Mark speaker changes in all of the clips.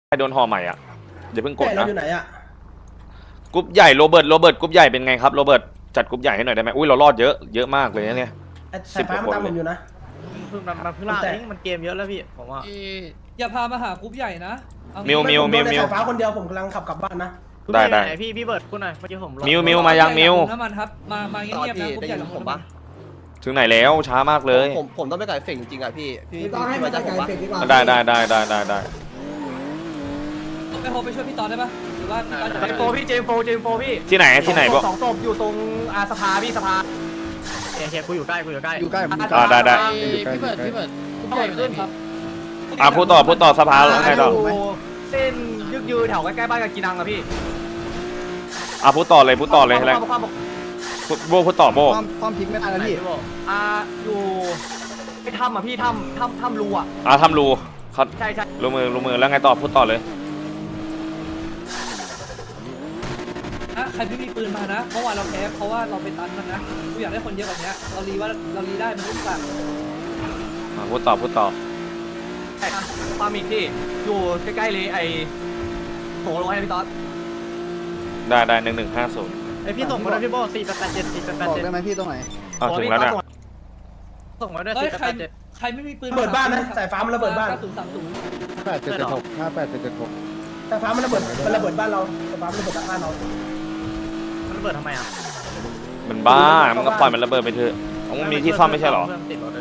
Speaker 1: ใครโดนห่อใหม่อ่ะเดี๋ยวเพิ่งกดนะ
Speaker 2: อยู่ไหนอ่ะ
Speaker 1: กรุ๊ปใหญ่โรเบิร์ตกรุ๊ปใหญ่เป็นไงครับโรเบิร์ตจัดกรุ๊ปใหญ่ให้หน่อยได้ไหมอุ้ยเรารอดเยอะมากเลยนะเนี่ย
Speaker 2: สายฟ้ามันตามผมอยู่นะ
Speaker 3: มันเพิ่งล่าเองมันเกมเยอะแล้วพี่ผมว่า
Speaker 4: อย่าพามาหากรุ๊ปใหญ่นะ
Speaker 1: มิว
Speaker 2: สายฟ้าคนเดียวผมกำลังขับกลับบ้านนะ
Speaker 1: ได้
Speaker 3: พี่เบิร์ดคุณหน่อยเมื่อกี้ผม
Speaker 1: มิวมายังมิว
Speaker 4: น้ำมันครับมาเงียบๆนะกรุ๊ปใหญ่ลงผมปะ
Speaker 1: ถึงไหนแล้วช้ามากเลย
Speaker 5: ผมต้องไปไก่เฟ่งจริงอ่ะพี่
Speaker 2: ต้องให้มาจากไก่เฟกดีกว่า
Speaker 1: ได้
Speaker 4: ไปโฮไปช่วยพี่ตอนได้ปะหรือว่า
Speaker 3: เจมโฟพี่เจมโฟพี่
Speaker 1: ที่ไหนบอก
Speaker 3: 2 ศพอยู่ตรงสภาพี่สภาเชฟกูอยู่ใกล้
Speaker 1: ได้
Speaker 3: พี่เบิร์ด
Speaker 4: ใหญ่ขึ้นครับ
Speaker 1: พูดต่อสภาแล้วไงต่อ
Speaker 3: เส้นยืดแถวใกล้ๆบ้านกับกีนังอะพี่
Speaker 1: พูดต่อเลยอะไรพูดต่อโบ
Speaker 5: ความพลิกไม่ได้แล้วพี่
Speaker 3: อยู่ไปทำอ่ะพี่ทำรูอ่ะ
Speaker 1: ทำรูเขา
Speaker 3: ใช่
Speaker 1: รูมือแล้วไงต่อพูดต่อเลย
Speaker 4: ใครไม่มีปืนมานะเมื่อวานเราแพ้เพราะว่าเราไปตันมันนะกูอยากได้คนเยอะกว่านี้เรารีได้มันทุกอย่าง
Speaker 1: พูดต่อ
Speaker 3: ใช่ปามิกที่อยู่ใกล้ๆเลยไอ้โถลงให้พี่ต๊อด
Speaker 1: ได้1150
Speaker 3: ไอพี่ส่งมาด้วยพี่โบ487
Speaker 5: บอกได้ไหมพี่ตรงไหน
Speaker 1: ถึงแล้วเนี่ย
Speaker 3: ส่งมาด้วย487
Speaker 4: ใครไม่มีปืน
Speaker 2: ระเบิดบ้านนะสายฟ้ามันระเบิดบ้าน
Speaker 5: 8776
Speaker 2: สายฟ้ามันระเบิดบ้านเราสายฟ้ามันระเบิดบ้านเรา
Speaker 3: มันระเบิดทำไมอ่ะ
Speaker 1: มันบ้ามันก็ปล่อยมันระเบิดไปเถอะมันมีที่ซ่อมไม่ใช่หรอ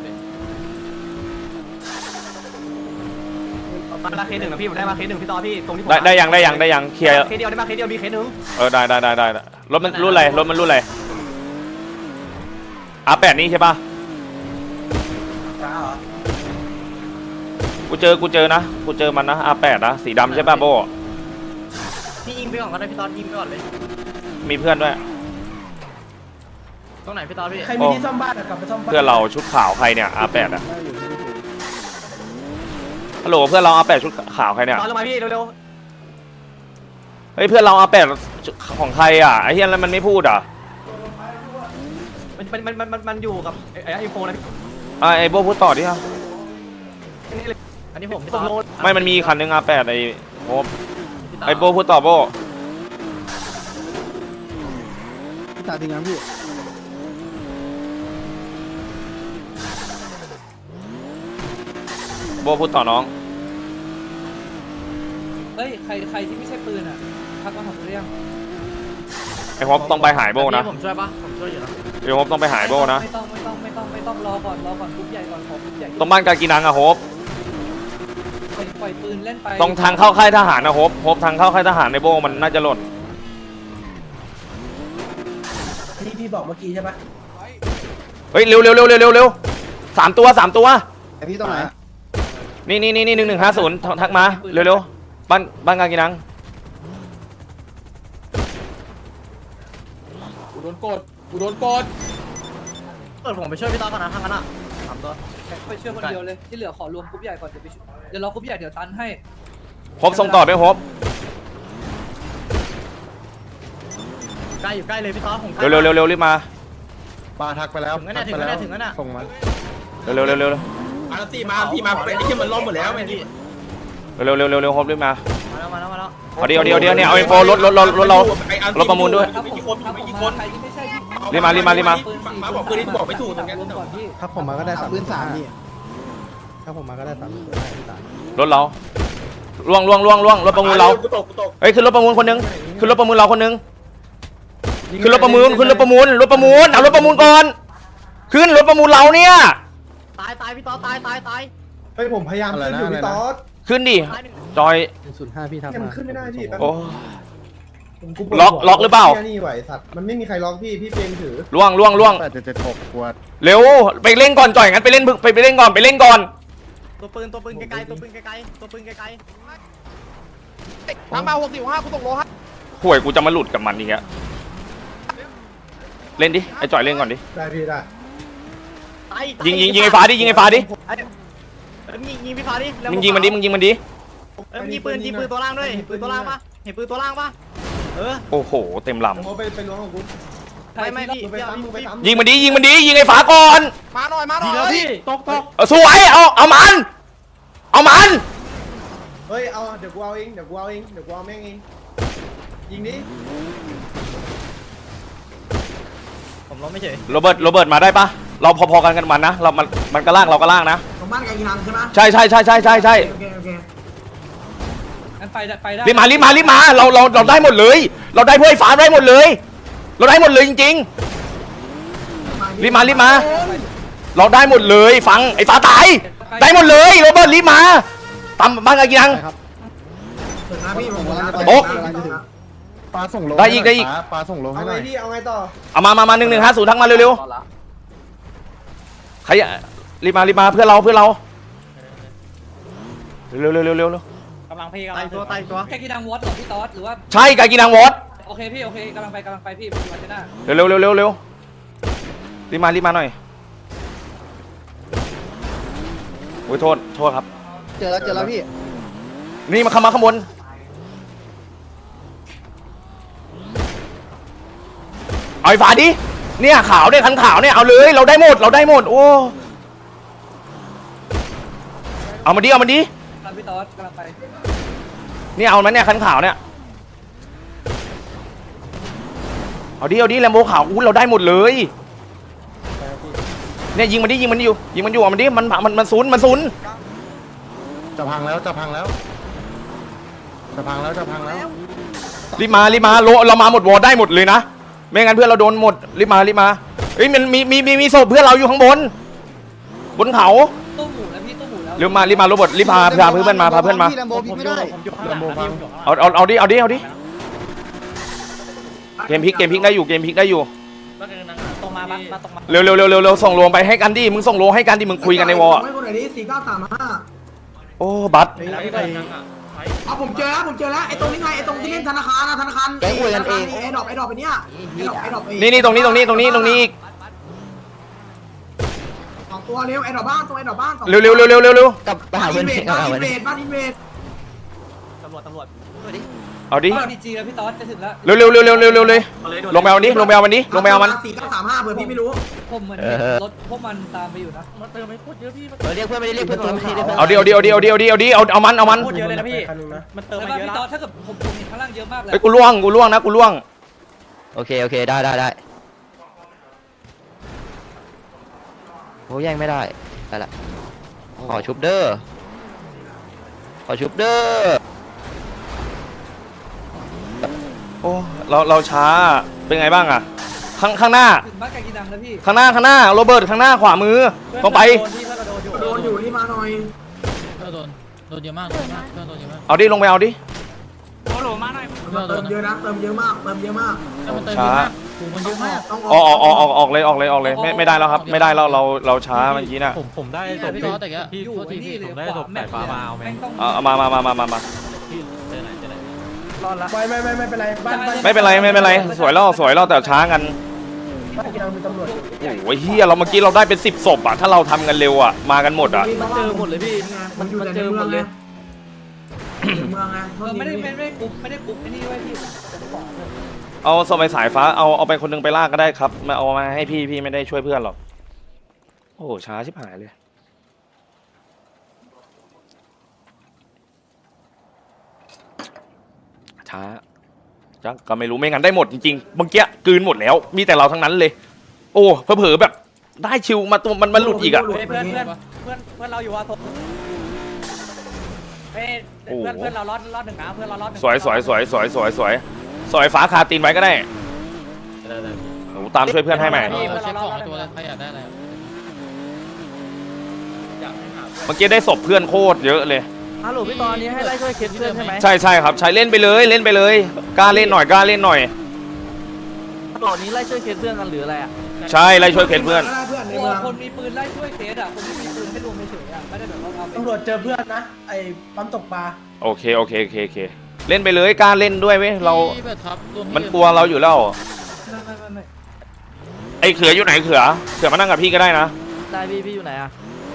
Speaker 3: มาเคสหนึ่งนะพี่ผมได้มาเคสหนึ่งพี่ต่อพี่ตรงที่ผม
Speaker 1: ได้ยังเคลียร์
Speaker 3: เคสเดียวได้มาเคสเดียวมีเคสหนึ่ง
Speaker 1: ได้รถมันรุ่นอะไรR8นี่ใช่ป่ะกูเจอนะกูเจอมันนะ R8 นะสีดำใช่ป่ะโบ
Speaker 3: พี่ยิงไปก่อนก็ได้พี่ตอนยิงไปก่อนเลย
Speaker 1: มีเพื่อนด้วย
Speaker 3: ตรงไหนพี่ตอนพี่
Speaker 2: ใครมีที่ซ่อมบ้านกลับไปซ่อมบ้าน
Speaker 1: เพื่อนเราชุดขาวใครเนี่ย R8 อ่ะฮัลโหลเพื่อนเรา R8 ชุดขาวใครเนี่ย
Speaker 3: ตอนลงมาพี่เร็ว
Speaker 1: เฮ้ยเพื่อนเรา R8 ของใครอ่ะไอ้เฮียแล้วมันไม่พูดอ่ะ
Speaker 3: มันอยู่กับไอโฟนนะพี่
Speaker 1: ไอ้โบพูดต่อดิครับ
Speaker 3: อันนี้ผมส่งโลด
Speaker 1: ไม่มันมีคันนึง R8 ไอ้โบไอ้โบพูดต่อโบ
Speaker 5: ตาจริงนะพี่
Speaker 1: โบพูดต่อน้อง
Speaker 4: เฮ้ยใครที่ไม่ใช่ปืนอ่ะทักมาหาเรื่อง
Speaker 1: ไอ้ฮอปต้องไปหายโบนะ
Speaker 3: ผมช่วยปะผมช่วยอยู่นะ
Speaker 1: ไอ้ฮอปต้องไปหายโบนะ
Speaker 4: ไม่ต้องรอก่อนกรุ๊ปใหญ่ก่อนขอกรุ๊ปใหญ่
Speaker 1: ตรงบ้านกากีนังอะโฮป
Speaker 4: ปล่อยปืนเล่นไป
Speaker 1: ตรงทางเข้าค่ายทหารนะโฮปทางเข้าค่ายทหารในโบมันน่าจะหล่น
Speaker 2: ที่พี่บอกเมื่อกี้ใช่ปะ
Speaker 1: เฮ้ยเร็ว3 ตัว
Speaker 5: ไอพี่ตรงไหน
Speaker 1: นี่1150ทักมาเร็วบ้านกากีนัง
Speaker 5: กูโดนกด
Speaker 3: ผมไปช่วยพี่ตอนก่อนนะทางนั้นอ่ะ3 ตัว
Speaker 4: ไปช่วยคนเดียวเลยที่เหลือขอรวมกรุ๊ปใหญ่ก่อนเดี๋ยวรอกรุ๊ปใหญ่เดี๋ยวตันให้
Speaker 1: โฮปส่งต่อด้วยโฮป
Speaker 3: ใกล้อยู่ใกล้เลยพี่ตอนผม
Speaker 1: เร็วรีบมา
Speaker 5: ทักไปแล้ว
Speaker 3: ถึงแล้ว
Speaker 5: ส่งมา
Speaker 1: เร็ว
Speaker 2: พี่มาไอ้ที่มันล้มหมดแล้วไอ้ที่
Speaker 1: เร็วโฮปรีบมา
Speaker 3: เดี๋ยว
Speaker 1: เนี่ยเอาอินโฟรถเราประมูลด้วยรีบมา
Speaker 2: มาบอกปืนที่บอกไม่ถูกตรงนี้
Speaker 5: ถ้าผมมาก็ได้3 ปืน 3พี่ถ้าผมมาก็ได้3
Speaker 1: รถเราล่วงรถประมูลเราเฮ้ยขึ้นรถประมูลคนนึงขึ้นรถประมูลเราคนนึงขึ้นรถประมูลเอารถประมูลก่อนขึ้นรถประมูลเราเนี่ย
Speaker 3: ตายพี่ต๊อดตาย
Speaker 5: เฮ้ยผมพยายามขึ้นอยู่พี่ต๊อด
Speaker 1: ขึ้นดิจอย
Speaker 5: 05พี่ทำมา
Speaker 2: ขึ้นไม่ได้พี่
Speaker 1: โอ้ล็อกหรือเปล่า
Speaker 5: นี่ไหวสัตว์มันไม่มีใครล็อกพี่เป็นถือ
Speaker 1: ล่วง
Speaker 5: 876ขวด
Speaker 1: เร็วไปเล่นก่อนจ่อยงั้นไปเล่นก่อน
Speaker 3: ตัวปืนไกล
Speaker 5: ทางมา65กูตกโลฮะ
Speaker 1: ห่วยกูจะมาหลุดกับมันนี่ฮะเล่นดิไอ้จ่อยเล่นก่อนดิ
Speaker 5: ได้พี่ได้
Speaker 1: ยิงไอ้ฟ้าดิยิงพี่ฟ้าดิมึงยิงมันดิ
Speaker 3: ยิงปืนตัวล่างด้วยปืนตัวล่างปะเห็นปืนตัวล่างปะ
Speaker 1: โอ้โหเต็มลำ
Speaker 5: ไปล้วงของกู
Speaker 3: ไม่พี่
Speaker 1: ยิงมันดิยิงไอ้ฟ้าก่อน
Speaker 5: มาหน่อย
Speaker 3: พี่ตก
Speaker 1: สวยเอามัน
Speaker 5: เฮ้ยเอาเดี๋ยวกูเอาเองเดี๋ยวกูเอาแม่งเองยิงดิ
Speaker 3: ผมล้มไม่เฉย
Speaker 1: โรเบิร์ตมาได้ปะเราพอๆกันกันมันนะเรามันก็ล่างเราก็ล่างนะ
Speaker 2: ตรงบ้านไกลกีฬาใช่ไหม
Speaker 1: ใช่โ
Speaker 2: โอเค
Speaker 4: งั้นไปได้
Speaker 1: รีบมาเราได้หมดเลย เราได้พวกไอ้ฟ้าได้หมดเลย เราได้หมดเลยจริงๆรีบมาเราได้หมดเลยฟังไอ้ฟ้าตายได้หมดเลยโรเบิร์ตรีบมาตามบ้านกันยัง
Speaker 2: ถึงนะพี่ผม
Speaker 1: โอ๊ะ
Speaker 5: ปลาส่งลง
Speaker 1: ได้อีก
Speaker 5: ปลาส่งลงให้หน่อยเอาไงต่อ
Speaker 1: เอามา1150ทั้งมาเร็วๆใครรีบมาเพื่อนเราเร็ว
Speaker 3: กำลังพี่กำลัง
Speaker 5: ไต่ตัว
Speaker 4: แค่กีดังวอตหรอพี่ตอสหรือว่า
Speaker 1: ใช่ไก่กินนางวอด
Speaker 4: โอเคพี่โอเคกำลังไปพี่มาเจน่า
Speaker 1: เร็วรีบมาหน่อยโอ้ยโทษครับ
Speaker 5: เจอแล้วพี่
Speaker 1: นี่มาข้างบนเอาไอ้ฝาดิเนี่ยขาวเนี่ยคันขาวเนี่ยเอาเลยเราได้หมดโอ้เอามาดิ
Speaker 4: พี่ตอสกำลังไป
Speaker 1: เนี่ยเอามันเนี่ยคันขาวเนี่ยเอาดิแลมโบขาวอู้เราได้หมดเลยเนี่ยยิงมันอยู่เอามันดิมันซุน
Speaker 5: จะพังแล้ว
Speaker 1: รีบมาเรามาหมดวอร์ได้หมดเลยนะไม่งั้นเพื่อนเราโดนหมดรีบมาเฮ้ยมันมีศพเพื่อนเราอยู่ข้างบนเขา
Speaker 4: ตู้หมูแล้วพี่ตู้หมูแล้ว
Speaker 1: รีบมาโรเบิร์ตรีบพาเพื่อนมา
Speaker 5: พี่ลำโบพี่ไม่ได้
Speaker 1: เอาดิเกมพลิกได้อยู่
Speaker 3: ตรงมาตรงมา
Speaker 1: เร็วส่งโลงไปให้กันดิมึงส่งโลให้กันดิมึงคุยกันในวอล
Speaker 2: ไม่คนไหนดิ4935
Speaker 1: โอ้บัต
Speaker 2: เอาผมเจอแล้วไอ้ตรงนี้ไงไอ้ตรงที่เล่นธนาคารแกคุยกันเองไอ้ดอกไปเนี่ยไอ้ดอก
Speaker 1: นี่ตรงนี้อีก
Speaker 2: 2ตัวเร็วไอ้ดอกบ้านไอ้ดอกบ้าน
Speaker 1: เร็ว
Speaker 5: กลับไปหาเพื่อน
Speaker 2: บ้านอินเวด
Speaker 3: ตำรวจ
Speaker 1: เอาดิ
Speaker 4: ดีจีแล้วพี่ตอสจะถึงแล้ว
Speaker 1: เร็วเลยลงไปเอามัน4 935เ
Speaker 2: ผื่อพี่ไม่รู้
Speaker 4: ผมเหมือนรถพวกมันตามไปอยู่นะ
Speaker 3: มาเติมไม่พูดเยอะพี่
Speaker 5: เรียกเพื่อนไม่ได้เรียกเพื่อนตัวพี่
Speaker 1: เอาดิเอามัน
Speaker 3: พูดเยอะเลยนะพี่มันเติม
Speaker 4: แล้ว
Speaker 3: มาเย
Speaker 4: พี่
Speaker 3: อะ
Speaker 4: ตอสถ้าเกิดผมเห็นข้างล่างเยอะมากเลย
Speaker 1: ไอ้กูล่วง
Speaker 6: โอเคได้โอ้แย่งไม่ได้ละขอชุบเด้อ
Speaker 1: โอ้เราช้าเป็นไงบ้างอะข้างหน้า
Speaker 4: ถึงบ้านไก่กีดังแล้วพี่
Speaker 1: ข้างหน้าโรเบิร์ตข้างหน้าขวามือต้องไป
Speaker 2: โดนอยู่นี่มาหน่อย
Speaker 7: โดนเยอะมากโดนเยอะมาก
Speaker 1: เอาดิลงไปเอาดิ
Speaker 3: โหลมาหน่อย
Speaker 2: เติมเยอะนะเติมเยอะมาก
Speaker 1: ช้า
Speaker 7: กูมันเยอะมาก
Speaker 2: ต้อง
Speaker 1: ออกเลยไม่ได้แล้วครับไม่ได้แล้วเราช้าเมื่อกี้น่ะ
Speaker 3: ผมได้ศพ
Speaker 7: พี่ตอสแต่แก
Speaker 3: พี่
Speaker 4: อยู่
Speaker 3: โทษที
Speaker 4: นี่
Speaker 3: พี่
Speaker 4: เล
Speaker 3: ผ
Speaker 4: ย
Speaker 3: มได้
Speaker 4: ข
Speaker 3: ศ
Speaker 4: วา
Speaker 3: พ
Speaker 4: แม่
Speaker 3: สาย
Speaker 4: ง
Speaker 3: ฟ้ามาเอาไหม
Speaker 4: ต้อง
Speaker 1: เอามา
Speaker 3: พี่เจอไหน
Speaker 4: รอดละ
Speaker 5: ไม่เป็นไรบ้าน
Speaker 1: ไม่เป็นไรสวยแล้วแต่ช้ากันโอ้ยเฮียเราเมื่อกี้เราได้เป็น10 ศพอะถ้าเราทำกันเร็วอะมากันหมดอะ
Speaker 2: มันเจอหมดเลยพี่มันอยู่แต่ในเมืองเลยเมืองไง
Speaker 4: ไม่ได้กรุ๊ปไอ้นี่ไว้พี่
Speaker 1: เอาสมัยสายฟ้าเอาไปคนนึงไปลากก็ได้ครับมาเอามาให้พี่ไม่ได้ช่วยเพื่อนหรอกโอ้โหช้าชิบหายเลยช้าจังก็ไม่รู้ไม่งั้นได้หมดจริงๆเมื่อกี้กลืนหมดแล้วมีแต่เราทั้งนั้นเลย โอ้เผลอๆแบบได้ชิวมาตัวมันหลุดอีกอะ
Speaker 3: เพื่อนเราอยู่ว่าศพเพื่อนเรารอด1นะเพื่อนเรารอด1
Speaker 1: สวยฟ้าคาตีนไว้ก็ได้โอ้ตามช่วยเพื่อนให้ใหม่
Speaker 7: เช็คของตัวเลยใครอยากได้อะไร
Speaker 1: เมื่อกี้ได้ศพเพื่อนโคตรเยอะเลย
Speaker 3: ฮัลโหลพี่ตอนนี้ให้ไล่ช่วยเคสเพื่อนใช่ไหม
Speaker 1: ใช่ครับใช้เล่นไปเลยกล้าเล่นหน่อย
Speaker 3: ตอนนี้ไล่ช่วยเคสเพื่อนกันหรืออะไรอ่ะ
Speaker 1: ใช่ไล่ช่วยเพื่อน
Speaker 2: ใน
Speaker 4: กลัว
Speaker 2: เมือง
Speaker 4: คนมีปืนไล่ช่วยเคสอ่ะคนที่มีปืนให้รวมเฉยๆอ่ะไม่ได้แบบว่าเอาไป
Speaker 5: ตำรวจเจอเพื่อนนะไอ้ปั๊มตกปลา
Speaker 1: โอเคเล่นไปเลยกล้าเล่นด้วยเว้ยเรามันกลัวเราอยู่แล้ว
Speaker 4: ไม่
Speaker 1: ไอ้เขืออยู่ไหนเขือมานั่งกับพี่ก็ได้นะ
Speaker 3: ได้พี่อยู่ไหนอ่ะ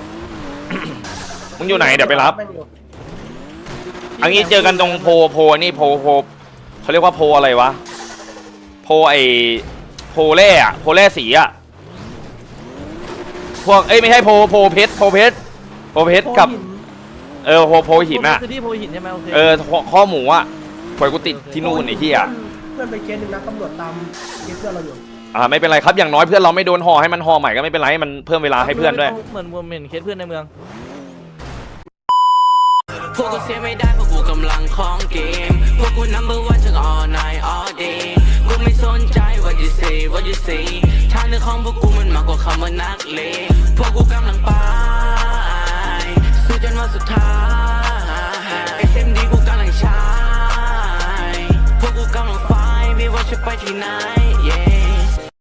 Speaker 1: มึงอยู่ไหนเดี๋ยวไปรับอันนี้เจอกันตรงโพนี่โพเขาเรียกว่าโพอะไรวะโพโพแร่สีอะพวกไม่ใช่โพเพชรกับโพหินอ่ะ
Speaker 3: คือที่โพหินใช่ไหมโอเค
Speaker 1: ข้อหมูอ่ะปล่อยกูติดที่นู่นไอ้ที่อ่ะ
Speaker 2: เพื่อนไปเคสหนึ่งนะตำรวจตามเคสเพื่อนเราอยู่
Speaker 1: ไม่เป็นไรครับอย่างน้อยเพื่อนเราไม่โดนห่อให้มันห่อใหม่ก็ไม่เป็นไรให้มันเพิ่มเวลาให้เพื่อนด้วย
Speaker 3: เหมือนเห็นเคสเพื่อนในเมือง
Speaker 8: พวกกูเสียไม่ได้เพราะกูกำลังของเกมพวกกู number one ทั้ง all night all day กูไม่สนใจ what you say what you say ทางเดินของพวกกูมันมากกว่าคำว่านักเลงพวกกูกำลังไป